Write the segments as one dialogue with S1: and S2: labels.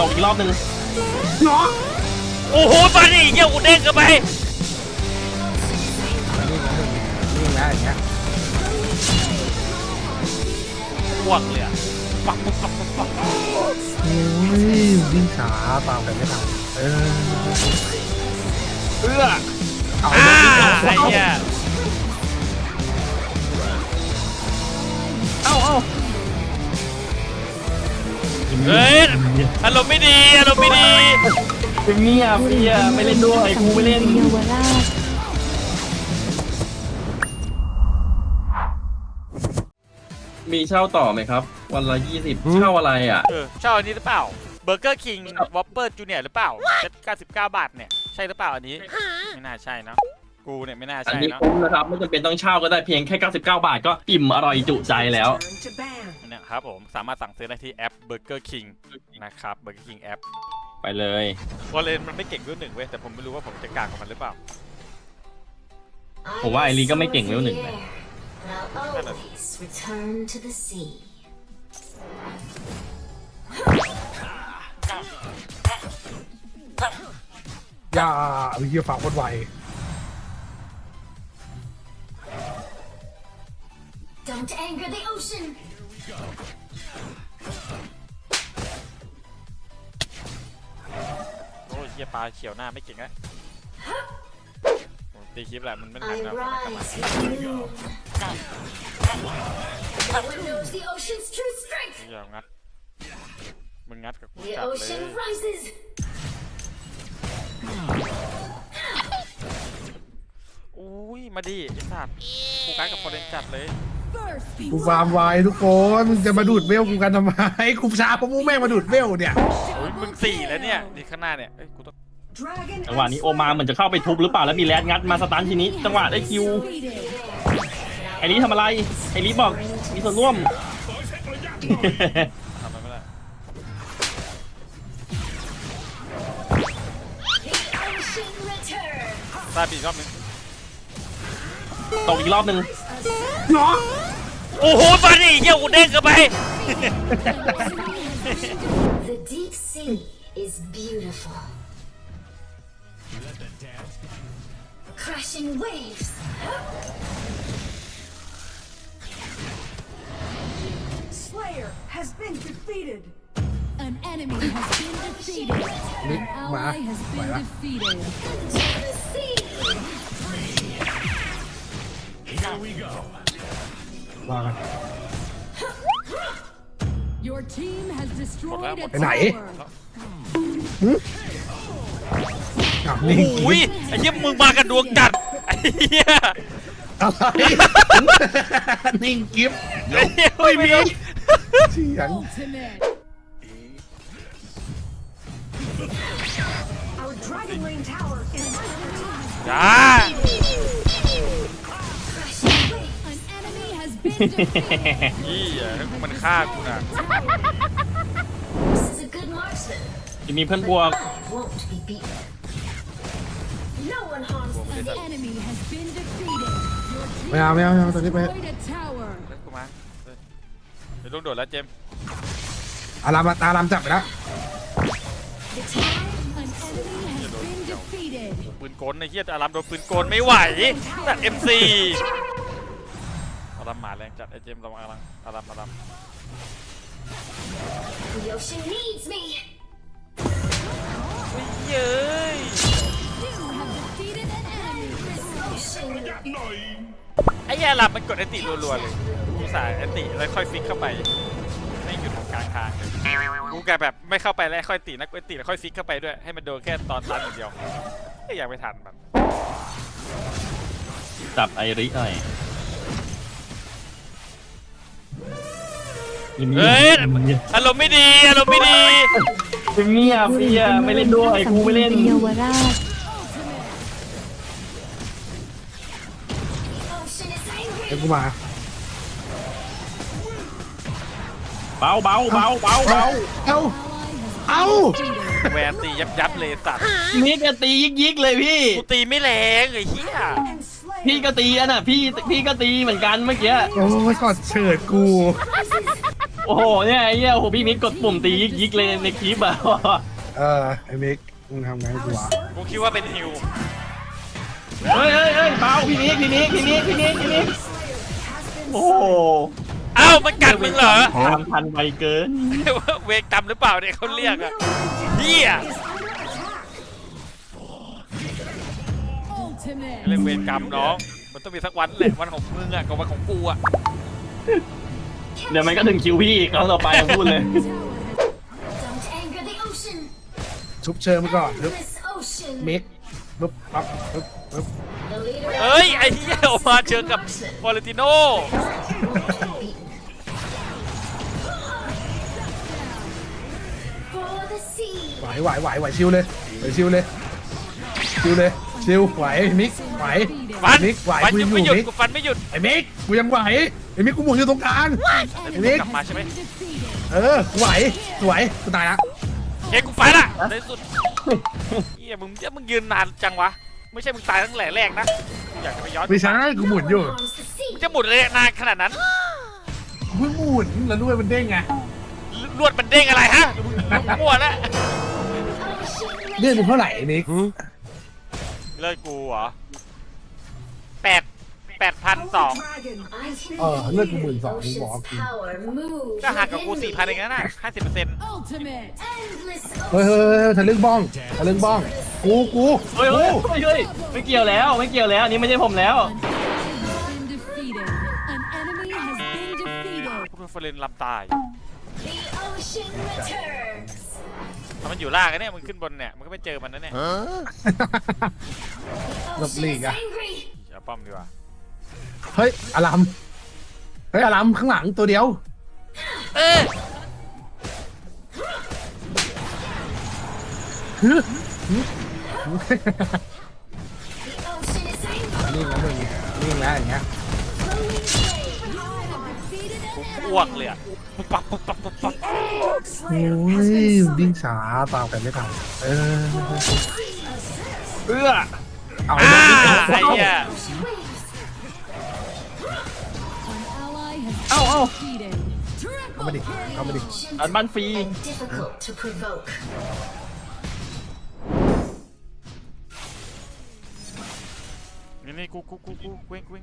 S1: ตกอีกรอบนึง
S2: เนาะ
S3: โอ้โหมาดิเยี่ยกูเด้งกันไป
S2: นี่นะอย่างเงี้ย
S3: อ้วกเลยอะปัก
S2: โอ้ยวิ่งช้าตามไปไม่ทันเอื้อเอา
S3: ไอ้เหี้ย
S1: เอ้า
S3: เฮ้ยอารมณ์ไม่ดีอารมณ์ไม่ดี
S1: เงียบพี่ไม่เล่นด้วยกูไม่เล่นมีเช่าต่อไหมครับวันละ20เช่าอะไรอ่ะ
S3: เช่าอันนี้หรือเปล่าเบอร์เกอร์คิงวอปเปอร์จูเนียร์หรือเปล่า99 บาทเนี่ยใช่หรือเปล่าอันนี้ไม่น่าใช่เนาะกูเนี่ยไม่น่าใช่
S1: อันนี้
S3: เนาะ
S1: คุ้มนะครับไม่จำเป็นต้องเช่าก็ได้เพียงแค่99 บาทก็อิ่มอร่อยจุใจแล้ว
S3: เนี่ยครับผมสามารถสั่งซื้อได้ที่แอป Burger King นะครับ Burger King แอป
S1: ไปเลยว
S3: อลเลนมันไม่เก่งเวลหนึ่งเว้ยแต่ผมไม่รู้ว่าผมจะกลางกับมันหรือเปล่า
S1: ผมว่าไอรีก็ไม่เก่งเวลหนึ่งเลย
S2: อย่าวิธีฝากคนไว
S3: Don't anger the ocean โอ้ยเหี้ยปลาเขียวหน้าไม่เก่งแล้วตีคลิปแหละมันไม่ทันแล้วอย่างัดมึงงัดกับกูจัดเลยอุ้ยมาดิไอ้สัตว์กูการกับฟอร์เรนจัดเลย
S2: กูฟาร์มไวทุกคนมึงจะมาดูดเวลกูกันทำไมกูช้าเพราะมึงแม่งมาดูดเวลเนี่ย
S3: มึง4แล้วเนี่ยนี่ข้างหน้าเนี่ยกูต้อง
S1: จังหวะนี้โอมาเหมือนจะเข้าไปทุบหรือเปล่าแล้วมีแรดงัดมาสตันทีนี้จังหวะได้คิวไอรีทำอะไรไอรีบอกมีส่วนร่วม
S3: ทำอะไรไม่ได้ตายปีกรอบนึง
S1: ตกอีกรอบนึง
S2: เนาะ
S3: โอ้โหมาดิเยี่ยกูเด้งกันไป
S4: The deep sea is beautiful. Crashing waves.
S5: Slayer has been defeated.
S6: An enemy has been defeated. An ally has been defeated.
S4: The sea.
S5: Here we go.
S2: ว่ากัน
S6: Your team has destroyed a
S2: ไปไหน
S6: tower.
S3: โอ้ยไอ้เหี้ยมึงมากันดวงจัดไอ้เหี้ย
S2: อะไรนิ่งกิฟต์
S3: ไม่มี
S2: เสียง
S6: Ultimate.
S5: Our Dragon Lane Tower is under attack.
S3: จ้า
S6: An enemy has been defeated.
S3: ยี่มันฆ่ากูนะ
S4: This is a good marksman.
S1: จะมีเพื่อนบวก
S4: Won't be beaten. No one harms
S6: An enemy has been defeated. Your team
S2: ไม่เอาตอนนี้ไป
S6: destroyed a tower.
S3: เล่นกูมาเดี๋ยวลงโดดแล้วเจม
S2: อารามจับไปแล้ว
S4: the time.
S6: An enemy has been defeated.
S3: ปืนกลไอ้เหี้ยอารามโดนปืนกลไม่ไหวตัด MC อารามหมาแรงจัดไอ้เจมลองอาราม
S4: The ocean needs me.
S3: เย้ย
S6: You have defeated an enemy.
S4: Ocean.
S3: ไอ้เหี้ยอารามมันกดแอนติรัวๆเลยกูสายแอนติแล้วค่อยฟิกเข้าไปไม่หยุดของกลางทางเลยกูแกแบบไม่เข้าไปแล้วค่อยตีนะกูแอนติแล้วค่อยฟิกเข้าไปด้วยให้มันโดนแค่ตอนตันอย่างเดียวไม่อยากไปทันมัน
S1: จับไอริหน่อย
S3: เฮ้ยอารมณ์ไม่ดีอารมณ์ไม่ดี
S1: เงียบพี่ไม่เล่นด้วยกูไม่เล่น
S4: Ocean is
S2: เดี๋ยว
S4: angry.
S2: กูมา
S1: เบา
S2: เอา
S3: แวนตียับเลยสัตว์
S1: นี่ก็ตียิกเลยพี่
S3: กูตีไม่แรงไอ้เหี้ย
S5: And Slayer
S1: พี่ก็ตีอ่ะน่ะพี่ก็ตีเหมือนกันเมื่อกี้
S2: โอ้ยกอดเฉิดกู
S1: โอ้โหเนี่ยไอ้เหี้ยโอ้โหพี่มิกกดปุ่มตียิกๆเลยในคลิปอะ
S2: ไอ้มิกมึงทำไงกูวะ
S3: กูคิดว่าเป็นฮิว
S1: เฮ้ยเบาพี่มิกโอ้โห
S3: เอ้ามันกัดมึงเหรอ
S1: ตามทันไวเกิน
S3: เวกจำหรือเปล่าเนี่ยเขาเรียกอะเฮีย
S6: Ultimate.
S3: เรื่องเวรกรรมน้องมันต้องมีสักวันแหละวันของมึงอะกับวันของกูอะ
S1: เดี๋ยวมันก็ถึงคิวพี่อีกครั้งต่อไปพูดเลย
S4: Don't anger the ocean.
S2: ชุบเชิญมาก่อนปึ๊บ
S4: This ocean.
S2: มิกปึ๊บปั๊บปึ๊บปึ๊บ
S4: The leader
S3: เอ้ยไอ้เหี้ยออกมาเจอกับวอลเลติโน
S4: for the sea.
S2: ไหวชิวเลยชิวไหวมิกไหว
S3: ฟัน
S2: มิกไหว
S3: ฟัน
S2: กู
S3: ยั
S2: ยัง งอ
S3: ไม่
S2: ยู่
S3: หยุด
S2: มิก
S3: กูฟันไม่หยุด
S2: ไอ้มิกกูยังไหวไอ้มิกกูหมุนอยู่ตรงกลางไอ้มิก
S3: กลับมาใช่ไหม
S2: กูไหวสวยกูตายละ
S3: เฮ้ยกูฟันอะในสุดเฮียมึงยืนนานจังวะไม่ใช่มึงตายตั้งแต่แรกนะอยากจะไปย้อน
S2: ไม่ใช่กูหมุนอยู่
S4: Belongs to sea.
S3: มึงจะหมุนเลยนานขนาดนั้น
S2: กูเพิ่งหมุนแล้วด้วยมันเด้งไง
S3: ลวดมันเด้งอะไรฮะมึงมั่วแล้ว
S4: Ocean
S2: เลื่อนเป็นเท่าไหร่ไอ้มิก
S3: เลิกกูเหรอ8,200
S5: Dragon has been
S2: เลื่อนกู12,000กูบอก
S4: Ocean's power moves.
S3: ก็หักกับกู 4,000เองนะ50%
S6: Ultimate.
S4: Endless
S2: เฮ้ยทะลึ่งบ้องกู
S1: เฮ้ยไม่เกี่ยวแล้วอันนี้ไม่ใช่ผมแล้ว
S6: Has been defeated. An enemy has been defeated.
S3: กูเป็นเฟรนลำตาย
S4: The ocean returns.
S3: ถ้ามันอยู่ล่างกันเนี่ยมึงขึ้นบนเนี่ยมันก็ไม่เจอมันนะเนี่ย
S2: หลบหลีก
S4: Ocean is
S2: อะ
S4: angry.
S3: เอาป้อมดีกว่า
S2: เฮ้ยอลัมข้างหลังตัวเดียว
S3: เออ
S4: The ocean is angry.
S2: นิ่งแล้วอย่างเงี้ย
S4: Flowing flame.
S3: กูอ้วกเลยอ่ะปุ๊บปั๊บ
S2: โอ้ยดิ้งช้าตามกันไม่ทัน
S1: เอื้อ
S2: เอา
S3: อ่า
S2: ไอ้
S3: ไอ้เหี้ย
S6: An ally has
S1: เอ้า
S6: been defeated.
S2: เข้ามาดิ
S1: อันบ้านฟรี
S4: And difficult to provoke.
S3: นี่กูเว้ง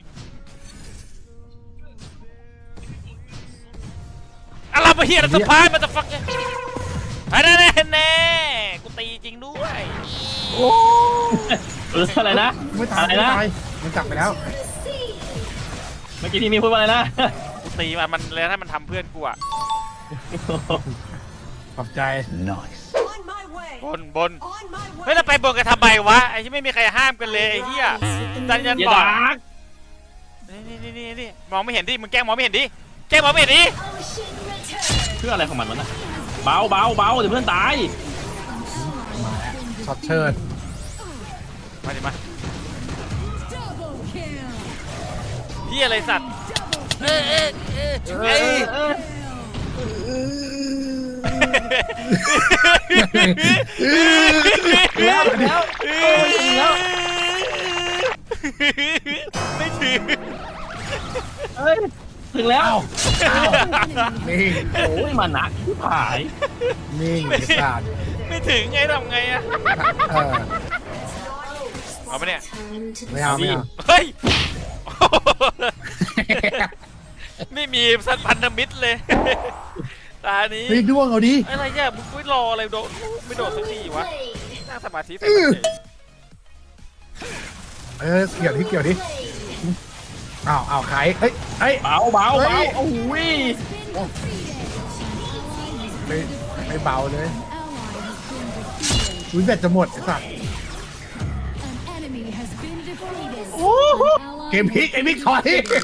S3: อะไรมาเฮียสะพายมาจะฟักเนี่ยไอ้แน่กูตีจริงด้วย
S1: อะไรนะ
S2: ไม่ตาย
S1: อะไร
S2: ไม่
S1: นะ
S2: ตายมันจับไปแล้ว
S1: เมื่อกี้พี่มีพูดว่าอะไรนะ
S3: กูตีมันเลยถ้ามันทำเพื่อนกูอ่ะ
S2: ขอบใจ
S5: on my way.
S3: บน
S5: On my
S3: เฮ้ย
S5: way.
S3: เราไปบนกันทำไมวะไอ้ที่ไม่มีใครห้ามกันเลยไอ้เหี้ยดันยัน
S1: อย่า
S3: บอก
S1: ดาร์ก
S3: นี่มองไม่เห็นดิมึงแกล้งมองไม่เห็นดิแกล้งมองไม่เห็นดิ
S4: Ocean returns.
S1: เพื่ออะไรของมันวะนะเบาเดี๋ยวเพื่อนตาย
S2: ช็อตเชิญ
S3: มาดิมา
S6: Double kill.
S3: เหี้ยอะไรสัตว์เอ้ย
S1: แล้ว
S3: ไม่ถึง
S1: เฮ้ยถึงแล้ว
S2: นิ่ง
S1: โอ้ยมาหนักที่ผาย
S2: นิ่งไอ้สัตว์
S3: ไม่ถึงไงทำไงอะ เอาปะเนี่ย
S4: Time to
S2: ไม่เอาไม่เอา
S3: เฮ้ยไม่มีสัตว์พันธมิตรเลยตานี้
S2: เฮ้ยด้วงเอาดิ
S3: อะไรเนี่ยมึงไม่รออะไรโดดไม่โดดสักทีวะ
S4: play.
S3: นั่งสมาธิใส่มันเฉย
S2: เกี่ยวดิอ้าวใครเฮ้ย
S1: เบาโอ้โห
S2: ไม่เบาเลย
S6: Ally has been defeated.
S2: อุ้ยแบตจะหมดไอ้สัตว์
S6: An enemy has been defeated.
S2: เกมพลิกไอ้มิกถอย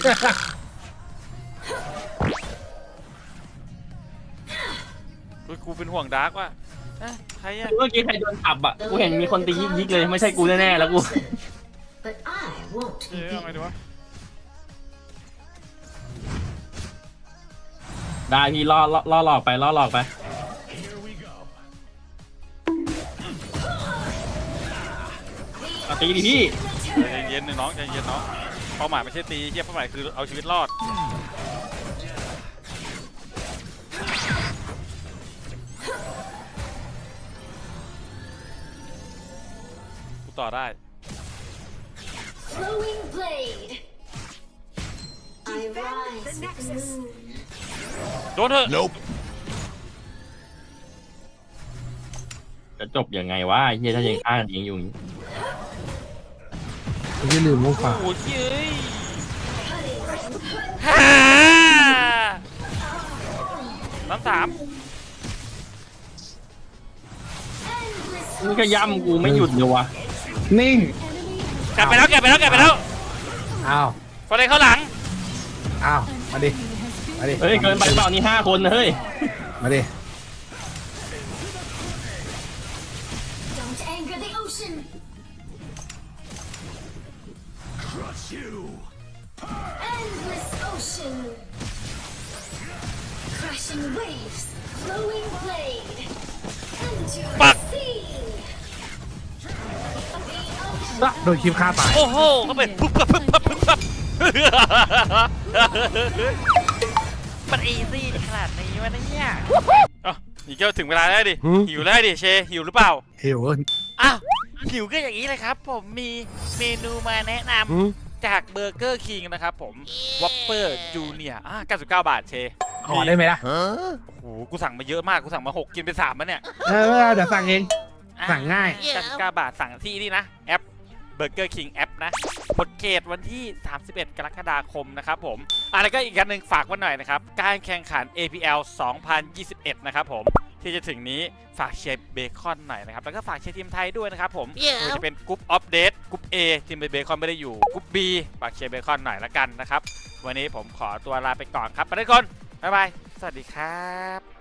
S3: กูเป็นห่วงดาร์กว่ะใครอะ
S1: เมื่อกี้ใครโดนขับอ่ะกูเห็นมีคนตียิกเลยไม่ใช่กูแน่ๆแล้วกู
S4: But I won't
S3: เอ
S4: be
S3: อเอาไง
S4: beaten.
S3: ดีวะ
S1: ได้พี่ล่อหลอกไปตีดิพี่
S3: ใจเย็นน้องใจเย็นน้องเป้าหมายไม่ใช่ตีเฮียเป้าหมายคือเอาชีวิตรอดต่อได้
S4: Flowing blade. I
S5: Defend
S4: rise
S5: the
S4: with the
S5: Nexus.
S4: moon.
S3: โดนเถอะ
S1: จะจบยังไงวะไอ้เฮียถ้ายังฆ่ากันเองอยู่อย่างนี้
S2: ไม่ใช่ลืมมุกฝ่า
S3: โอ้โหเฮ้ย
S4: Cutting.
S3: ฮ่าน้ำสาม
S4: Endless
S1: นี่ก็ย่ำกูไม่หยุดเลยวะ
S2: นิ่ง
S3: กลับไปแล้วกลับไปแล้วกลับไปแล้ว
S2: อ้าว
S3: ฟอร์เรนเข้าหลัง
S2: อ้าวมาดิมาดิ
S1: เฮ้ยเกินไปเปล่านี่5 คนนะเฮ้ย
S2: มาดิ
S4: don't anger the ocean. Endless ocean. Crashing waves. Flowing blade. Into the
S3: Fuck.
S4: sea. The
S2: ละโดนคลิปฆ่าตาย
S3: โอ้โหเขาเป็นปุ๊บปั๊บปุ๊บปั๊บปุ๊บปั๊บมันอีซี่ขนาดนี้วะเนี่ยอ๋อนี่ก็ถึงเวลาแล้วดิ หิวแล้วดิเชหิวหรือเปล่า
S2: เหิว
S3: อ้าวหิวก็อย่างนี้เลยครับ ผมมีเมนูมาแนะนำจากเบอร์เกอร์คิงนะครับผมวอปเปอร์จูเนียร์99 บาทเช
S2: ขอได้ไหมล่ะ
S3: โอ้โหกูสั่งมาเยอะมากกูสั่งมา6กินไป3แล้วเนี่ย
S2: เดี๋ยวสั่งเอง สั่งง่าย
S3: 99 บาทสั่งที่นี่นะแอปเบอร์เกอร์คิงแอปนะหมดเขตวันที่ 31 กรกฎาคมนะครับผมแล้วก็อีกอันหนึ่งฝากไว้หน่อยนะครับการแข่งขัน APL 2021 นะครับผมที่จะถึงนี้ฝากเชียร์เบคอนหน่อยนะครับแล้วก็ฝากเชียร์ทีมไทยด้วยนะครับผมมันจะเป็นกรุ๊ปออฟเดตกรุ๊ป A ทีมเบคอนไม่ได้อยู่กรุ๊ป B ฝากเชียร์เบคอนหน่อยละกันนะครับวันนี้ผมขอตัวลาไปก่อนครับไปทุกคนบ๊ายบายสวัสดีครับ